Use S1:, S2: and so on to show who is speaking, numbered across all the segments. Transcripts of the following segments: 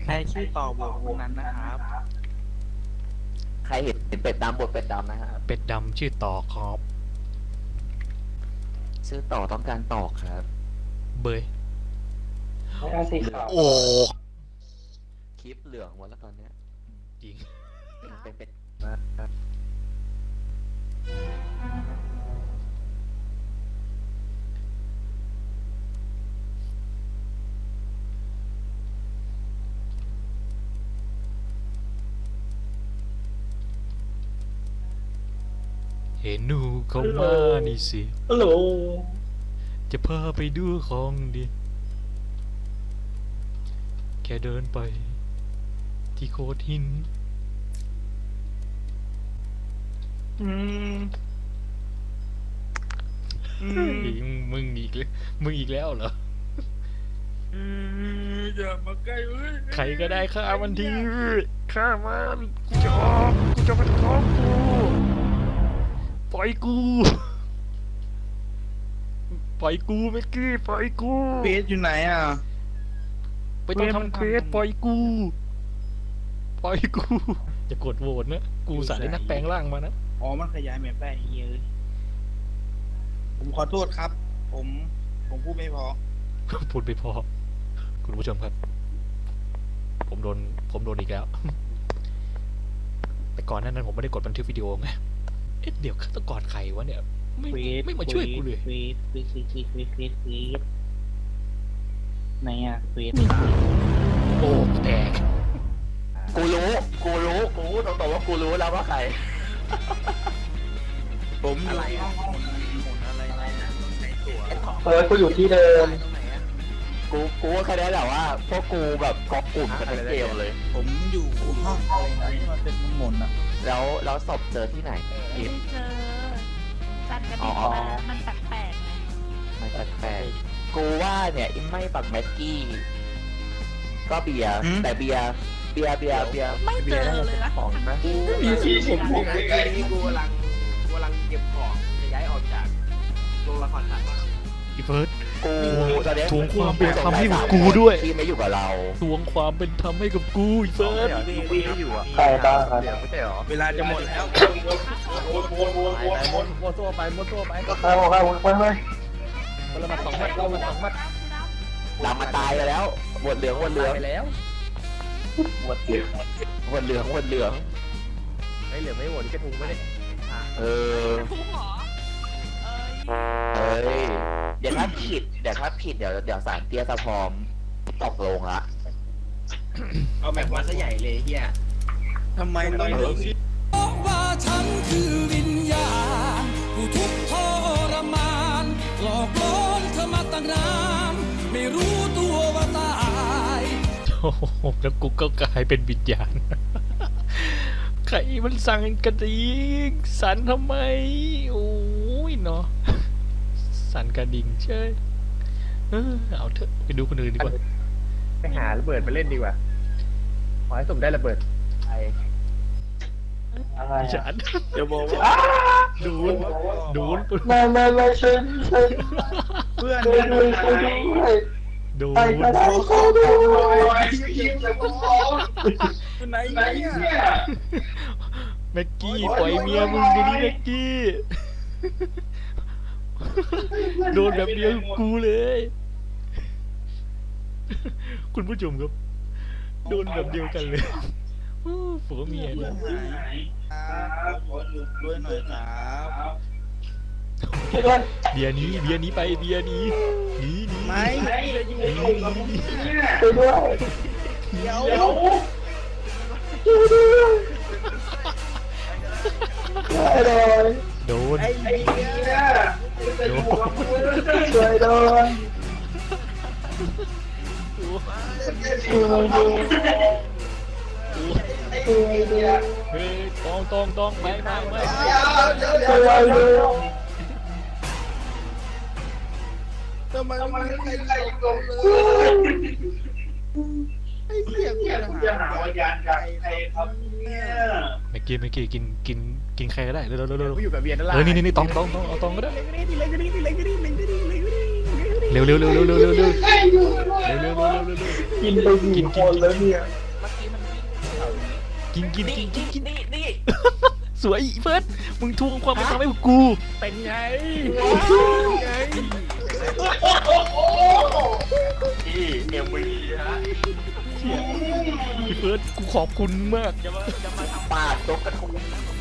S1: ใครชื่อต่อบวกวงนั้นนะครับ
S2: ใครเห็นเป็ดดำบทเป็ดดำนะครับ
S3: เป็ดดำชื่อต่อครับ
S2: ชื่อต่อต้องการตอกครับ
S3: เบย
S4: ไม่เอาสีขาว
S3: โอ้
S2: คลิปเหลืองหมดแล้วตอนเนี้ย
S3: จริง
S2: เป็นเป็ด
S3: เห็นหนูเขามานี่สิ
S4: ฮัลโหล
S3: จะพาไปดูของดีแค่เดินไป ที่โคดหิน
S1: อืมอืม
S3: มึงอีกแล้วมึงอีกแล้วเหรอ
S1: อย่ามาใกล้เว้ย
S3: ใครก็ได้ฆ่ามันทีฆ่ามันกูจะออกกูจะมันท้องกูปล่อยกูปล่อยกูเมื่อกี้ปล่อยกู
S1: เฟสอยู่ไหนอ่ะ
S3: ไปต้องทำเควสปล่อยกูปล่อยกูอย่ากดโหวตนะกูสายได้นักแปลงร่างมานะ
S1: อ๋อมันขยายแมปได้เฮ้ยผมขอโทษครับ ผมพูดไม่พอ
S3: พูดไปพอคุณผู้ชมครับ ผมโดนอีกแล้ว แต่ก่อนหนานั้นผมไม่ได้กดบันทึกวิดีโอไงเอ๊ะเดี๋ยวฆาตกรใครวะเนี่ยไม่มาช่วยกูเลย
S1: เฟสไหนอ่ะเฟส
S3: โอ้แตก
S2: กูตรงๆว่ากูรู้แล้วว่าใคร
S1: ผมอะไรอ่ะหมุนอะไรนะใช้ตัว
S4: กูอยู่ที่เดิม
S1: ตรงไหนอ่ะ
S2: กูว่าแค่นี้แหละว่าพวกกูแบบเกาะกลุ่มกันทั้งเกมเลย
S1: ผมอยู่ห้องอะไรนะที่มันเป็นหมุนอ่ะ
S2: แล้วศพเจอที่ไหน
S5: ไม่
S2: อิน
S5: เจอจันกระ
S2: อ๋
S5: ดิ่
S2: อ
S5: งมามันแปลกๆไง
S2: ไม่แปลกๆกูว่าเนี่ยอินไม่ปักแม็กกี้ก็เบียร์แต่เบียร์
S5: ไม่เจอเลยนะ
S2: ของนะ
S4: มีสีผมผม
S6: นี่กูกำลังเก็บของจะย้ายออกจากโรงละครสัตว์
S3: อีเฟิร์ส
S2: กูตอนนี้
S3: ทวงความเป็นธรรมให้กับกูด้วย
S2: ที่ไม่อยู่กับเรา
S3: ทวงความเป็นธรรมให้กับกูอีเฟิร์ส
S6: พี่อยู่อ่ะ
S4: ใครบ้างครับ
S6: เดี๋ยวไม่ใช่หรอ
S1: เวลาจะหมดแล้ว
S6: มัวตัวไป
S4: ไป
S6: คนละมา2 มัดคนละมา2 มัด
S2: ดำมาตายไปแล้วหมดเหลือง
S6: ไปแล้ว
S2: หมดเหลือง
S6: ไอ้เหลืองไม่โหวตนี่กระทุงไม่ได้
S2: เออ
S5: ทุกหรอเอ้ย
S2: เฮ้ยเดี๋ยวถ้าผิดเดี๋ยวสารเตี้ยสะพร้อมตกลงละ
S6: เอาแบบมาซะใหญ่เลยเฮีย
S1: ทำไมต้องมี
S7: ว่าฉันคือวิญญาณผู้ทุกข์ทรมานหลอกล่อเธอมาตั้งนานไม่รู้ตัวว่าตาย
S3: โอ้โหแล้วกูก็กลายเป็นวิญญาณ ใครมันสั่งกระดิ่งสั่นทำไม โอ้ยเนาะสั่นกระดิ่งเช่ยเอาเถอะไปดูคนอื่นดีกว่า
S6: ไปหาระเบิดมาเล่นดีกว่าขอให้สมได้ระเบิด
S2: ไอ
S4: อะไร
S3: ฉัน
S1: เดี๋ยวบอกว่า
S3: โดน
S4: ไม่ฉัน
S1: เพื่อน
S4: ช่วยด้วย
S3: โดน
S4: ไปก็ได้ช่วยด้วย
S1: อยู่ไหนเนี่ย
S3: แม็กกี้ปล่อยเมียมึงเดี๋ยวนี้แม็กกี้ โดนแบบเดียวกับกูเลย คุณผู้ชมครับ โดนแบบเดียวกันเลยผัวเมีย
S1: เพื่อ
S3: นะ
S1: นหายครับขอหยุดด้วยหน่อยครับ
S4: ช่วยด้วย
S3: เบียร์หนี้ไปเบียร์หนี้หนี
S1: ไม่
S4: ช่วยด้วย
S1: เดี๋ยว
S4: ช่วยด้วย
S3: โดน
S1: ไอ้เหี้ย
S3: โดน
S4: ช่วยด้วยช่วยด้วยช่วยด้วย
S3: เฮ้ยต้องไป
S4: ช่วยด้วย
S1: ทำไมไม่มีใครตรงเลยไอ้เหี้ยกูจะหาวิญญาณจากใครครับเนี่ย
S3: แม็กกี้กินใครก็ได้เร็ว
S6: กูอยู่กับเบียร์นั่นแหละ
S3: นี่ต้องเอาตองก็ได้
S6: เล็งก็ดี
S3: เร็วเร็วเร็วเร็วเร็วเร็วเร็วเร็วเร็วเร็วเร็วเร็ว
S4: กินไปกี่คนแล้วเนี่ย
S6: เมื่อกี้มันวิ่งแถวนี้
S3: กินกินกินกินกิน
S6: นี่
S3: สวยเฟิร์สมึงทวงความเป็นธรรมให้กู
S6: เป็นไงไง
S2: ที่เอ็มวีฮะ
S3: พี่เฟิร์สกูขอบคุณมาก
S6: จะมาท
S2: ปาดตกกระทุง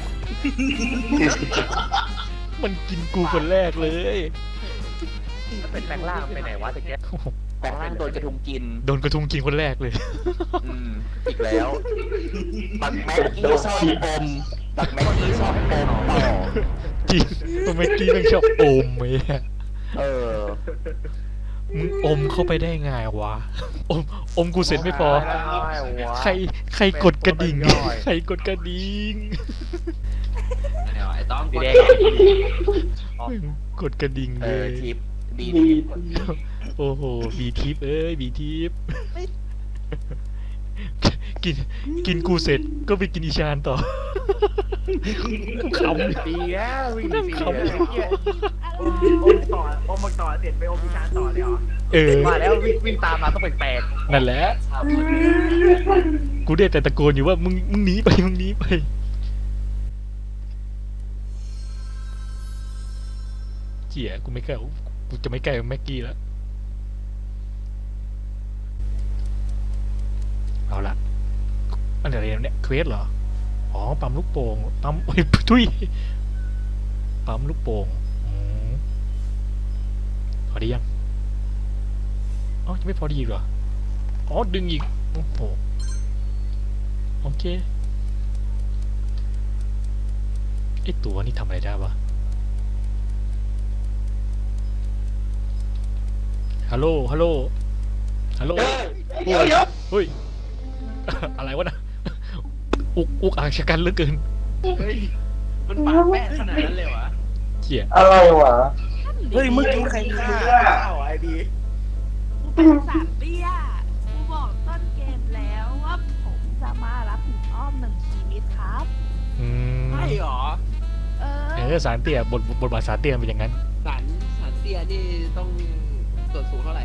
S3: มันกินกูคนแรกเลย
S6: ำเป็นแปลงร่างไปไหนวะตะเกียบ
S3: โอ้โห
S2: แปลงร่างโดนกระทุงกิน
S3: โดนกระทุงกินคนแรกเลย
S2: อีกแล้วบักแม็กกี้ชอบอมบักแม็กกี้ชอบอมต่อ
S3: จริงตัวเมื่อกี้มันชอบอมไหมอะ
S2: เออ
S3: มึงอมเข้าไปได้ไงวะอมกูเสร็จไม่พอ ใครกดกระดิ่ง ใครกดกระดิ่ง
S6: ไอ้ต้อง
S2: สีแดง
S3: กดกระดิ่ง
S2: เอ
S3: เล
S2: อย ทิปดี
S4: ดี
S3: โอ้โหบีทิปเอ้ยบีทิปกินกูเสร็จก็ไปกินอีชานต่อกูขำ
S6: ดีแล้ววิ่ง
S3: นั่ง
S6: ดี
S3: ขำ
S6: แล้วอมต่อเสร็จไปอมพิชานต่อเลยเหรอ
S3: มา
S6: แล้ววิ่งตามมาต้องแปลก
S3: นั่นแหละ กูได้แต่ตะโกนอยู่ว่ามึงหนีไปมึงหนีไปเจี๋ยกูไม่กล้ากูจะไม่ใกล้แม็กกี้แล้วเอาละอันไหนเนี่ยเควสเหรออ๋อปั๊มลูกโป่งปั๊มโอ้ยทุยปั๊มลูกโป่งพอดียังอ๋อจะไม่พอดีเหรออ๋อดึงอีกโอ้โหโอเคไอตัวนี่ทำอะไรได้วะฮัลโหลฮัลโหลฮัลโหล
S4: เดี๋ยว
S3: เฮ้ย อะไรวะนะอุกอ่างชะกันเหลือเกิน
S6: ๆเฮ้ยมันปากแป้ขนาดนั้นเลยวะ
S3: เจี๋ย
S4: อะไรวะ
S1: เฮ้ยเมื่อกี้ใครฆ่า
S6: อ้าวไอ้ดี
S5: กูเป็นสารเตี้ยกูบอกต้นเกมแล้วว่าผมจะมารับผิดอ้อม1 ชีวิตครับ
S3: อืม
S6: ใช่หรอ
S3: สารเตี้ยบทบาทสารเตี้ยเป็นอย่างนั้น
S6: สันเตียนี่ต้องส่วนสูงเท่าไหร่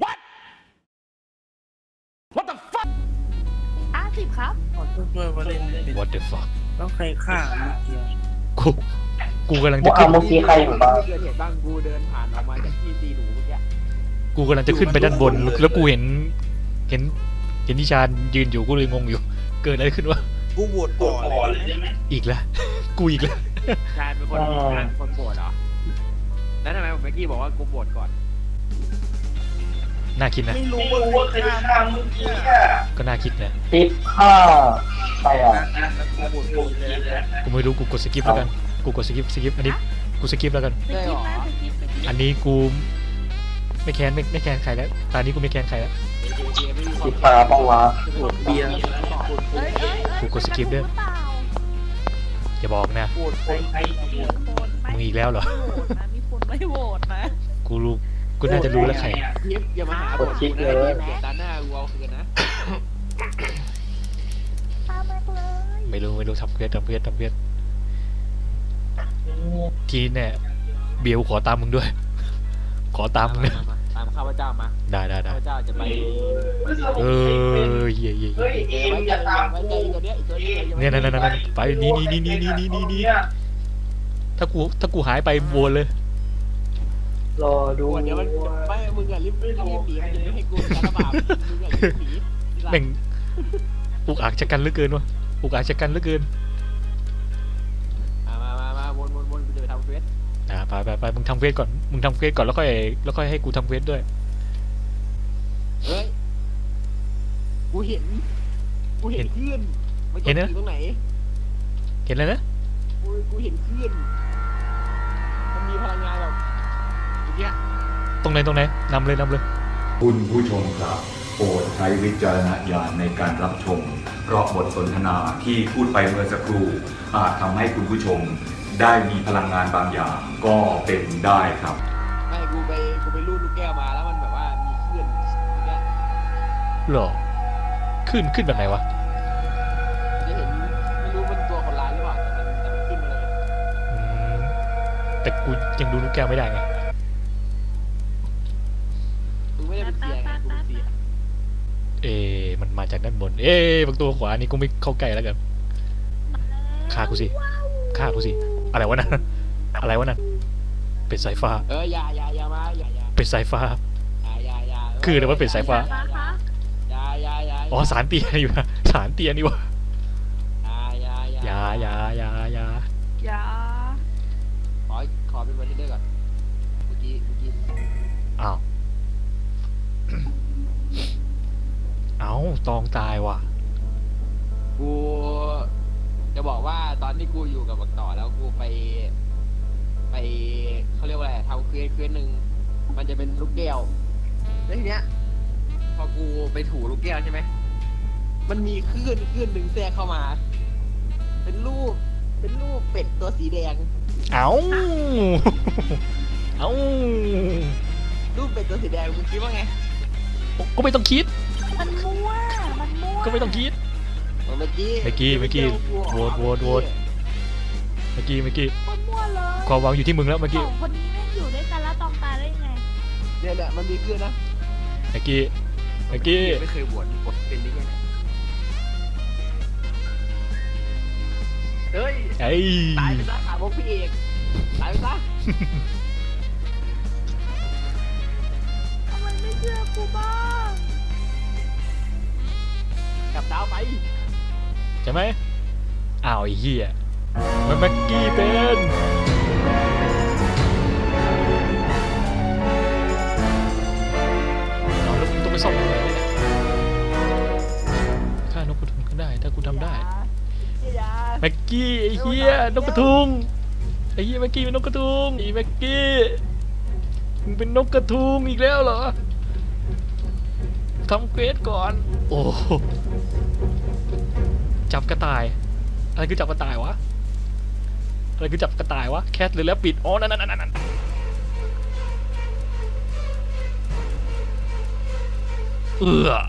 S5: 50 ครับ
S1: ขอช่วยมาเล่นเป็น
S3: What the fuck
S1: ต้องใครฆ่าเมื่อกี้
S3: กูกำลัง
S4: ว่า
S3: จะ
S4: เอา
S3: ขึ้น
S4: เมื่อกี้ใครอยู่บ้าง
S6: เกิดเหตุบ้างกูเดินผ่านออกมาจากที่ตีหนูเมื่อกี้
S3: กูกำลังจะขึ้นไปด้านบน แล้วกูเห็นนิชานยืนอยู่กูเลยงงอยู่ เกิดอะไรขึ้นวะ
S1: กูโหวตก่อนเลยใช่ไหม
S3: อีกแล้ว กูอีกแล้ว
S6: ชาญเป็นคนโบดเหรอ แล้วทำไมผมเมื่อกี้บอกว่ากูโบดก่อน
S3: น่าคิดนะ
S1: ไม่รู้ว่าใครฆ่าเมื่อกี้อะ
S3: ก็น่าคิดนะ
S4: ติดผ้าใครอ่ะ
S1: กูโหวตกูเลยนะ
S3: กูไม่รู้กูกดสกิปแล้วกัน กูกดสกิปอันนี้กูสกิปแล้วกัน
S5: สกิปนะสกิป
S3: อันนี้กูไม่แค้นใครแล้วตอนนี้กูไม่แค้นใครแล้ว
S4: ติดผ้าปะวะ
S1: โหวตเบียร์
S5: เอ้ย
S3: กูกดสกิปด้วย
S5: หรือเปล่า
S3: อย่าบอกนะ
S1: โหวตใคร
S5: มีคนไม่
S3: มึงอีกแล้วเหรอ
S5: โหวตนะมีคนไม่โหวตนะ
S3: กูรู้กูน่าจะรู้แล้วใคร
S6: ยิบอย่ามาหาผมนะเดี๋ยวตาหน้ากูเอาคืนนะ
S5: ตามมาเลย
S3: ไม่รู้ทำเควสทีเนี่ยเบียวขอตามมึงด้วย ขอตามมึงเนี่ย
S6: ตามข้าพเจ้ามา
S3: ได้
S6: ข้าพเจ้าจะไป
S3: เย่
S4: เฮ้ยเอ็มอย่าตาม
S6: ไว้
S4: กู
S6: เจอตัวเนี้ยอีกตัวนี้
S3: เนี่ยนั่นไปนี่ถ้ากูหายไปโวนเลย
S4: รอดู
S6: เดี๋ยวมันไม่มึงอ่ะรีบหนีมันจะไม่ให้กูการระบาดมึงอ่ะรีบหนี
S3: แม่งอุกอาจจะกันเหลือเกินวะอุกอาจจะกันเหลือเกิน
S6: มาวนกูจะไปทำเควส
S3: ไปมึงทำเควสก่อนแล้วค่อยให้กูทำเควสด้วย
S6: เฮ้ยกูเห็นคลื่นมันอยู่ตรงไหน
S3: เห็นแล้วนะ
S6: กูเห็นคลื่นมันมีพลังงานแบบอย่างเงี้ย
S3: ตรงไหนนำเลย
S8: คุณผู้ชมครับโปรดใช้วิจารณญาณในการรับชม เพราะบทสนทนาที่พูดไปเมื่อสักครู่อาจทำให้คุณผู้ชมได้มีพลังงานบางอย่างก็เป็นได้ครับ
S6: ไม่กูไปรูดลูกแก้วมาแล้วมันแบบว่ามีคลื่นอย่างเงี้ย
S3: หรอขึ้นแบบไหนวะ
S6: จะเห็นไม่รู้มันตัวคนร้ายหรือเปล่าแต่มันขึ้นมาเลย
S3: แต่กูยังดูลูกแก้วไม่ได้ไงมาจากด้านบน บางตัวขวานี่กูไม่เข้าใกล้แล้วกันฆ่ากูสิฆ่ากูสิอะไรวะนั่นอะไรวะนั่นเป็ดสายฟ้า
S6: อย่ามาอย่า
S3: เป็ดสายฟ้า
S6: อย่า
S3: คืออะไรวะเป็ดสายฟ้า
S6: อย่า
S3: อ๋อสารเตี้ยนี่วะสารเตี้ยนี่วะ
S6: อย่า
S5: อย่า
S6: ขอเป็นวันที่เด้อก่อนเมื่อกี้
S3: อ้าวเอ้าตองตายว่ะ
S6: กูจะบอกว่าตอนที่กูอยู่กับบักต่อแล้วกูไปเขาเรียกว่าอะไรทำเควสหนึ่งมันจะเป็นลูกแก้วแล้วทีเนี้ยพอกูไปถูลูกแก้วใช่ไหมมันมีคลื่นหนึ่งแทรกเข้ามา เป็นรูปเป็ดตัวสีแดง
S3: เอ้าเอ้า
S6: รูปเป็ดตัวสีแดงมึงคิดว่าไง
S3: ก็ไม่ต้องคิด
S5: มันมั่ว
S3: ก็ไม่ต้องคิด
S6: เมื่อกี้
S3: เมื่อกี้โหวตเมื่อกี้
S5: มันมั่วเลย
S3: ความหวังอยู่ที่มึงแล้วเมื่อ
S5: ส
S3: กี้
S5: องคนนี้แม่งอยู่ด้วยกันแล้วตองตายได้ยังไง
S6: เนี่ยมันมีคลื่นนะ
S3: เมื่อกี้
S6: ไม่เคยบวชเป็นได้ไงเฮ้ย
S3: ไอ้
S6: ตายไปซะขาพวกพี่เอกตายไปซะ
S5: ทำไมไม่เชื่อกูบ้าง
S6: กลับดาวไป
S3: ใช่ไหมอ้าวไอ้เหี้ยมันเมื่อกี้เป็นเอาแล้วมึงต้องไปซ่อมยังไงเนี่ยฆ่านกกระทุงก็ได้ถ้ากูทำได้
S5: อย่า
S3: แม็กกี้ไอ้เหี้ยนกกระทุงไอ้เหี้ยแม็กกี้เป็นนกกระทุงไอ้แม็กกี้มึงเป็นนกกระทุงอีกแล้วเหรอทำเควสก่อนโอ้จับกระต่ายอะไรคือจับกระต่ายวะอะไรคือจับกระต่ายวะแคทหรือแล้วปิดอ๋อนั่นเอื้อ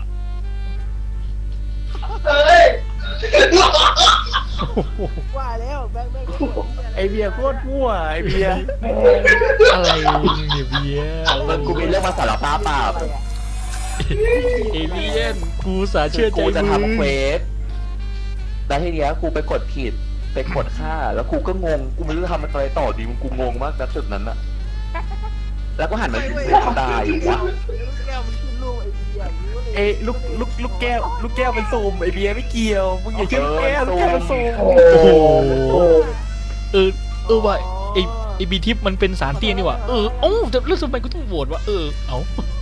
S6: ว่าแล้วแบงค์
S2: ไอเบียร์โคตรมั่วไอเบียร์
S3: อะไรเนี่ยเบียร์
S2: กูมีเรื่องมาสารภาพเปล่า
S3: เอเลียนกูสาเชื่อใจ
S2: กูจะ
S3: มึง
S2: ทำเควสแล้วทีเนี้ยกูไปกดผิดไปกดฆ่าแล้วกูก็งงกูไม่รู้จะทำอะไรต่อดีมึงกูงงมากณจุดนั้นอะแล้วก็หันมาดูตายอยู่วะ
S6: แก้วมันขึ้นลูกไอ้เบียร์
S2: เอ้ลูกแก้วเป็นซูมไอเบียร์ไม่เกี่ยวมึงอย่าเชื่อลูกแก้วเป็นซูม
S3: โอ้โหว่ะไอบีทิปมันเป็นสารเตี้ยนี่ว่ะเอ้าแต่แล้วทำไมกูต้องโหวตวะเอ้า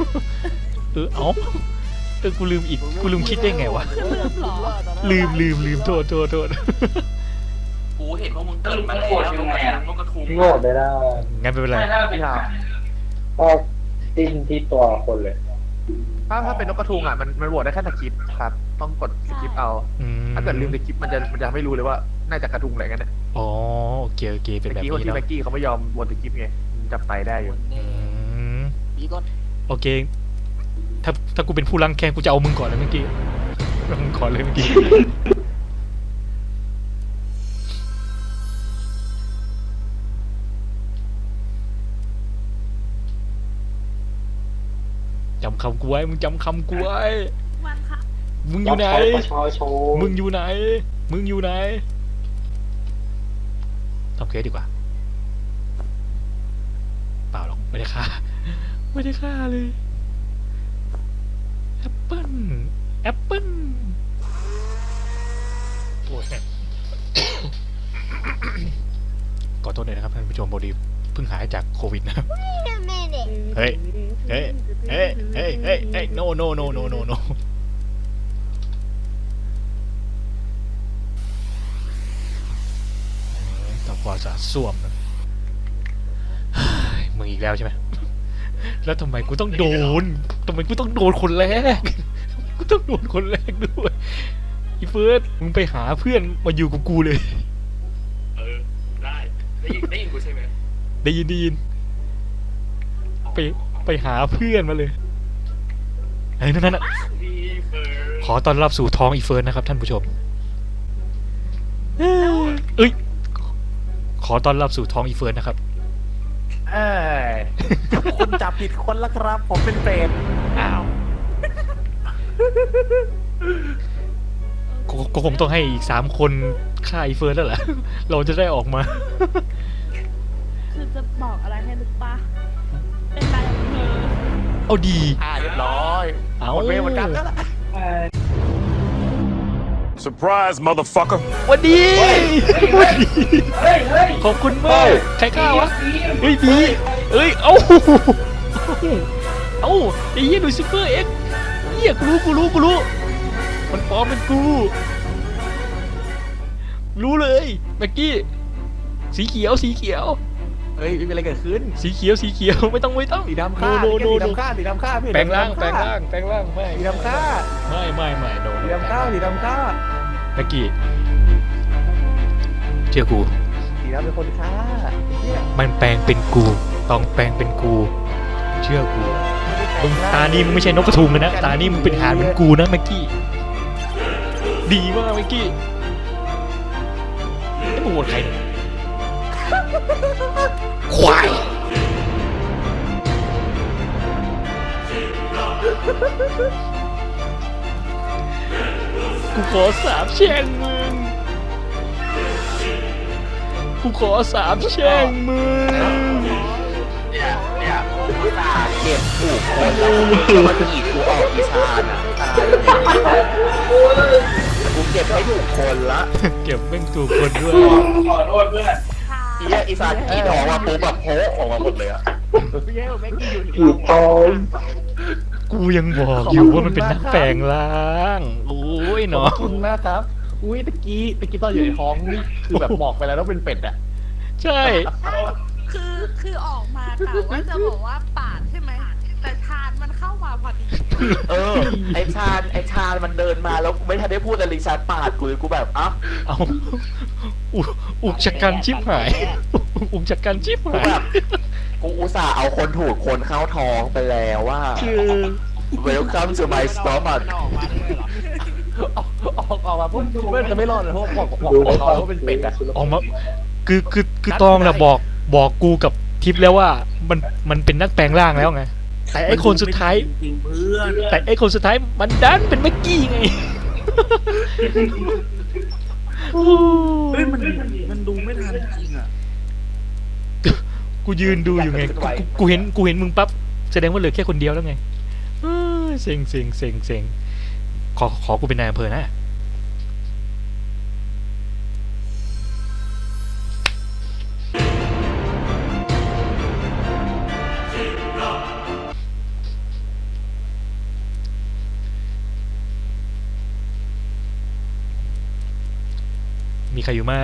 S3: กูลืมอีกกูลืมคิดได้ไงวะลืมโทษ
S2: กูเห็นพวกมึงเกิดมาแล้วมึงกระทุง
S4: โง่ไม่ได้
S3: งั้นไม่เป็นไร
S2: พี่ถาม
S4: ก็จิ้นที่ตัวคนเลย
S9: ถ้าเป็นนกกระทุงอ่ะมันโหวตได้แค่สคริปต์ครับต้องกดสคริปต์เอา ถ้าเกิดลืมสคริปต์มันจะไม่รู้เลยว่าน่าจะกระทุงอะไรกันเนี่ย
S3: อ๋อโอเคเป็นแบบ
S9: เมื่อกี้คน
S3: นี้
S9: ที่
S3: เนาะ
S9: แม็กกี้เขาไม่ยอมโหวตสคริปต์ไงจับไปได้อยู่
S3: อืม
S6: ปีกด
S3: โอเคถ้ากูเป็นผู้รังแค้นกูจะเอามึงก่อนเลยเมื่อกี้เอามึงก่อนเลยเมื่อกี้จำคำกูไว้มึงจำคำกูไว้
S5: วันค่ะ
S3: มึงอยู่ไหน
S4: ประชาชน
S3: มึงอยู่ไหนทำเคสดีกว่าเปล่าหรอกไม่ได้ฆ่าเลยแอปเปิ้ลโอ้ยขอโทษหน่อยนะครับท่านผู้ชมพอดีเพิ่งหายจากโควิดนะครับเฮ้ยno ต่อความสะอาดส้วมนะมึงอีกแล้วใช่ไหมแล้วทำไมกูต้องโดนคนแรกด้วยอีเฟิร์สมึงไปหาเพื่อนมาอยู่กับกูเลย
S2: ได้ยินกูใช่ไหม
S3: ได้ยินไปหาเพื่อนมาเลยไอ้นั่นน่ะขอต้อนรับสู่ท้องอีเฟิร์สนะครับท่านผู้ชมเอ้ยขอต้อนรับสู่ท้องอีเฟิร์สนะครับ
S2: คนจับผิดคนแล้วครับผมเป็นเปรต
S3: อ้าวก็คงต้องให้อีก3 คนฆ่าไอ้เฟิร์นแล้วแหละ เราจะได้ออกมา
S5: คือจะบอกอะไรให้ลึกปะเป็นนายอำเภอ
S3: เอาดี
S9: เรียบร้อย
S3: เอา
S9: หมดเวรหมดกรรมแล้วล่ะ
S10: Surprise, motherfucker.
S3: วันดีขอบคุณมากใครฆ่าวะเฮ้ยดีเอ้ยเอ้าไอ้เหี้ยดูซิเฟอร์เอ็กเหี้ยกูรู้มันปลอมเป็นกูรู้เลยเมื่อกี้สีเขียว
S9: เฮ้ยไม่มีอะไรเกิดขึ้น
S3: สีเขียวไม่ต้อง
S9: สีดำฆ่า
S3: โน
S9: สีดำฆ่าสีดำฆ่าพี่
S3: แปลงร่างไม่
S9: สีดำฆ่า
S3: ไม่โดน
S9: สีดำฆ่าสีดำฆ่า
S3: เมื่อกี้เชื่อกู
S9: สีดำเป็นคนฆ่าเนี่ย
S3: มันแปลงเป็นกูต้องแปลงเป็นกูเชื่อกูมึงตานี่มึงไม่ใช่นกกระทุงเลยนะตานี่มึงเป็นหานเหมือนกูนะเมื่อกี้ดีมากเมื่อกี้ไอ้มึงโหวตใครเนี่ยควายกูขอสาบแช่งมึง
S2: เนี่ยกูตาเก็บถูกคนแล้วมันอีกกูออกอีชานอ่ะกูเก็บไม่ถูกคนละ
S3: เก็บแม่งถูกคนด้วย
S4: ขอโทษเพื่อน
S2: อีเนี่ยอีสานกรีดออกมาปุ๊บแบบโผล่ออกมาหมดเลยอ่ะ
S9: พี่แย่แม็กกี้อยู่
S4: ถูกต้อง
S3: กูยังบอกอยู่ว่ามันเป็นนักแปลงร่างโอ้ย
S9: ขอ
S3: เนาะ
S9: บคุณนะครับอุ้ยตะกี้ตอนอยู่ในท้องนี่คือแบบบอกไปแล้วว่าเป็นเป็ดอ่ะ
S3: ใช่
S5: คือออกมาแต่ว่าจะบอกว่าปาดใช่ไหมแต่ชาญมันเข้ามาพอดี
S2: ไอชาญมันเดินมาแล้วกูไม่ทันได้พูดอะไรชาญปาดกูเลยกูแบบอ่ะ
S3: เอาอุกชะกันชิบหายอุกชะกันชิบหาย
S2: แบบกูอุตส่าห์เอาคนถูกคนเข้าท้องไปแล้วว่า
S3: คือ
S2: Welcome to my stomach
S9: ออกมาปุ๊บไม่จะไม่รอดเลยเพราะบอกว่าเป็นเป็ดอ่ะ
S3: ออกมาคือตองน่ะบอกกูกับทิพย์แล้วว่ามันเป็นนักแปลงร่างแล้วไงแต่ไอ้คนสุดท้าย
S1: จริงๆเพื่อน
S3: แต่ไอ้คนสุดท้ายมันดันเป็นเมื่อกี้ไง
S1: เฮ้ยมันดูไม่ทันจริงอ่ะ
S3: กูยืนดูอยู่ไงกูเห็นมึงปั๊บแสดงว่าเหลือแค่คนเดียวแล้วไงเซ็งขอกูเป็นนายอำเภอนะมีใครอยู่ไหม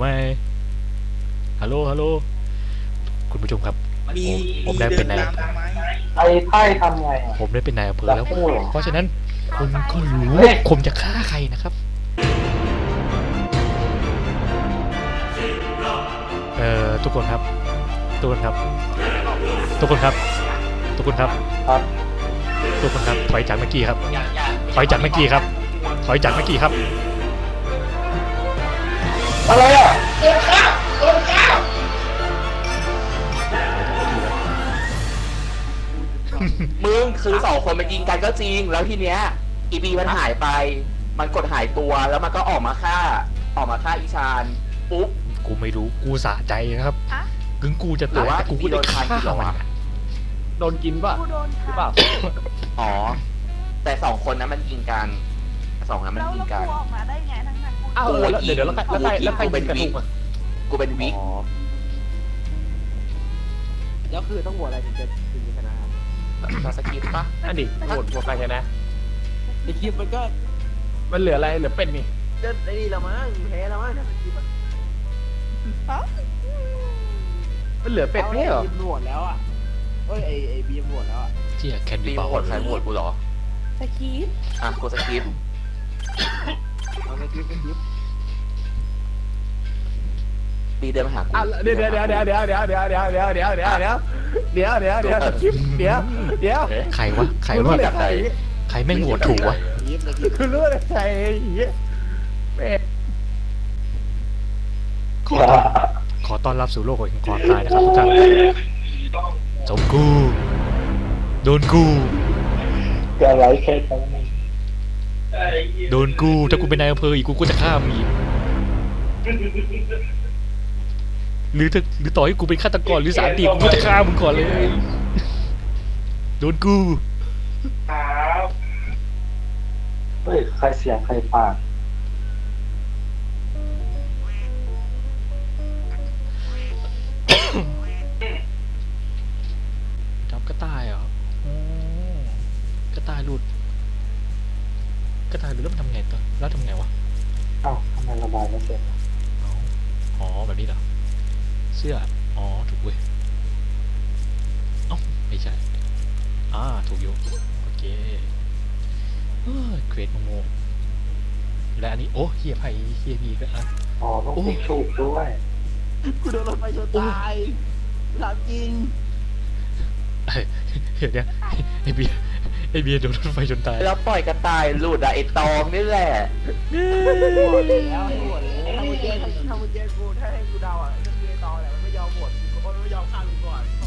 S3: ฮัลโหลคุณผู้ชมครับ ผมได้เป็นนายอำเภอ
S4: ไอ้ไพ่ทำไงอ่ะ
S3: ผมได้เป็นนายอำเภอแล้ว
S4: โอ้โห
S3: เพราะฉะนั้นคุณก็รู้ว่าผมจะฆ่าใครนะครับทุกคนครับถอยจากเมื่อกี้ครับถอยจากเมื่อกี้ครับ
S4: อะไรอ่ะ
S2: มึงคือ2 คนมันยิงกันก็จริงแล้วทีเนี้ยอีบีมันหายไปมันกดหายตัวแล้วมันก็ออกมาฆ่าอีชานปุ๊บ
S3: กูไม่รู้กูสะใจนะครับ
S5: ฮะ
S3: ถึงกูจะ
S2: หรื
S3: ตา
S2: อย ว่า
S3: แต่กูก็ได้ฆ่า
S2: พี่โดน
S3: มัน
S2: ฆ่า
S9: โดนกินป่ะ
S5: กูโดน
S9: หรือ
S5: ทำ
S9: เปล่า
S2: อ๋อแต่2 คนนั้นมันยิงกัน2นั้นมัน
S5: แล้ว
S2: ยิงกัน
S5: กูออกมาได้ไงทั้งนั้นกู
S9: อ้าวเดี๋ยวแล้วใครเป็นกระทุกอ่ะ
S2: กูเป็นวิก
S6: แล้วคือต้องโหวตอะไรถึงจะชนะ
S2: เราสกิปปะ
S9: นั่นดิโหวตใครชนะ
S6: ไอคลิปมันก็
S9: มันเหลืออะไรเหลือเป็ดนี่
S6: จะไอ้นี่ละมั้งแพ้ละมั้ง
S9: มันเหลือเป็ดไม่ใช่เหรอ
S6: บีมโหวตแล้วอ่ะเอ้ยไอบีมโหวตแล้วอ่ะ
S3: เจี๊ยแคน
S2: บี
S3: ดี้
S2: มา
S3: เบา
S2: โหวตใครโหวตกูเหรอ
S5: สกีป
S2: อ่ะกูสกิป
S6: เอาไอคลิปเป็นคลิป
S2: บีเดินมาหากู
S9: เดี๋ยว
S3: ใครวะ
S9: ใครใคร
S3: ใครแม่งโหวตถูกวะ
S6: คลิปในคลิป
S9: คือรู้อะไรใครเป็ด
S3: ขอต้อนรับสู่โลกแห่งความตายนะครับทุกท่านจบกูโดนกู
S4: เกิดอะไรแค่ตรงนี้
S3: โดนกูถ้ากูเป็นนายอำเภออีกกูก็จะฆ่ามึงอีกหรือต่อให้กูเป็นฆาตกรหรือสารตีกูก็จะฆ่ามึงก่อนเลย โดนกู
S4: เฮ้ยใครเสียงใครปาก
S3: จับกระต่ายเหรออ๋อกระต่ายหลุดแล้วมันทำไงต่อแล้วทำไงวะ
S4: เอ้าทำไมระบายไม่เสร็จ
S3: อ๋อแบบนี้เหรอเสื้ออ๋อถูกเว้ยเอ้าไม่ใช่ถูกอยู่โอเคเควสโง่ๆและอันนี้โอ้เฮียไผ่เฮียพีก็อ่ะ
S4: อ๋อต้องติ๊กถูกด้วย
S6: กูโดนรถไฟชนตายถามจริง
S3: เดี๋ยวไอเบียร์โดนรถไฟจนตาย
S2: แล้วปล่อยกระต่ายหลุดอะไอ้ตองนี่แหละ
S6: หมดแล้วหมดแล้วถ้ามึงแย่กูถ้าให้กูเดาอ่ะจะมีตอแหละมันไม่ยอมหมดกูก็ไม่ยอมฆ่ามึงก่อน